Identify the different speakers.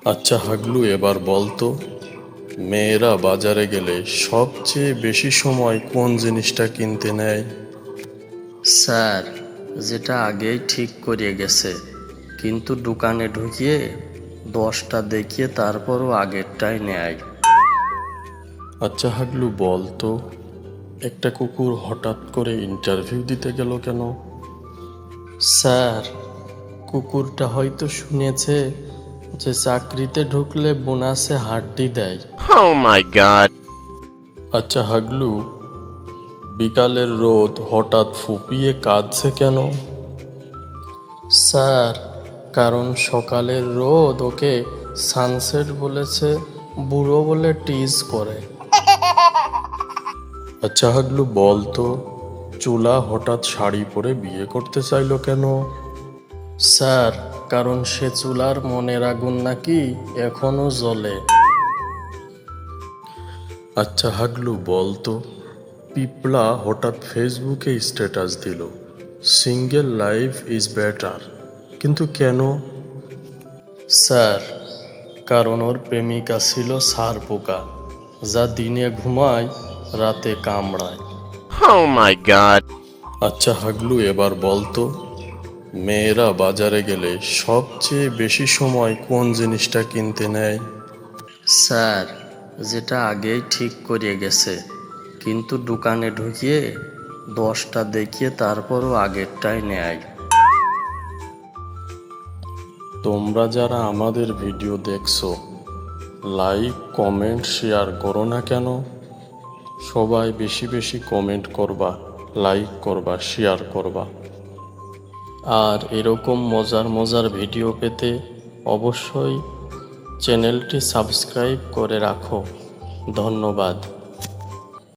Speaker 1: আচ্ছা হাগলু, এবার বলতো, মেয়েরা বাজারে গেলে সবচেয়ে বেশি সময় কোন জিনিসটা কিনতে নেয়?
Speaker 2: স্যার, যেটা আগেই ঠিক করিয়ে গেছে, কিন্তু দোকানে ঢুকিয়ে 10টা দেখিয়ে তারপরও আগেরটাই নেয়।
Speaker 1: আচ্ছা হাগলু, বলতো, একটা কুকুর হঠাৎ করে ইন্টারভিউ দিতে গেল কেন?
Speaker 2: স্যার, কুকুরটা হয়তো শুনেছে যে চাকরিতে ঢুকলে বোনাসে হাড্ডি দেয়।
Speaker 3: Oh my god.
Speaker 1: আচ্ছা হাগলু, বিকালের রোদ হঠাৎ ফুপিয়ে কাঁদছে কেন?
Speaker 2: স্যার, কারণ সকালের রোদ ওকে সানসেট বলেছে, বুড়ো বলে টিজ করে।
Speaker 1: আচ্ছা হাগলু, বলতো, চুলা হঠাৎ শাড়ি পরে বিয়ে করতে চাইলো কেন?
Speaker 2: স্যার, কারণ সে চুলার মনের আগুন নাকি এখনো জ্বলে।
Speaker 1: আচ্ছা হাগলু, বলতো, পিপলা হঠাৎ ফেসবুকে স্ট্যাটাস দিল, সিঙ্গেল লাইফ ইজ বেটার, কিন্তু কেন?
Speaker 2: স্যার, কারণ ওর প্রেমিকা ছিল ষাঁড় পোকা, যা দিনে ঘুমায় রাতে কামড়ায়।
Speaker 3: Oh my god.
Speaker 1: আচ্ছা হাগলু, এবার বলতো, মেয়েরা বাজারে গেলে সবচেয়ে বেশি সময় কোন জিনিসটা কিনতে নেয়?
Speaker 2: স্যার, যেটা আগেই ঠিক করিয়ে গেছে, কিন্তু দোকানে ঢুকিয়ে 10টা দেখিয়ে তারপরও আগেরটাই নেয়।
Speaker 1: তোমরা যারা আমাদের ভিডিও দেখছো, লাইক কমেন্ট শেয়ার করো না কেন? সবাই বেশি বেশি কমেন্ট করবা, লাইক করবা, শেয়ার করবা।
Speaker 2: আর এরকম মজার মজার ভিডিও পেতে অবশ্যই চ্যানেলটি সাবস্ক্রাইব করে রাখো। ধন্যবাদ।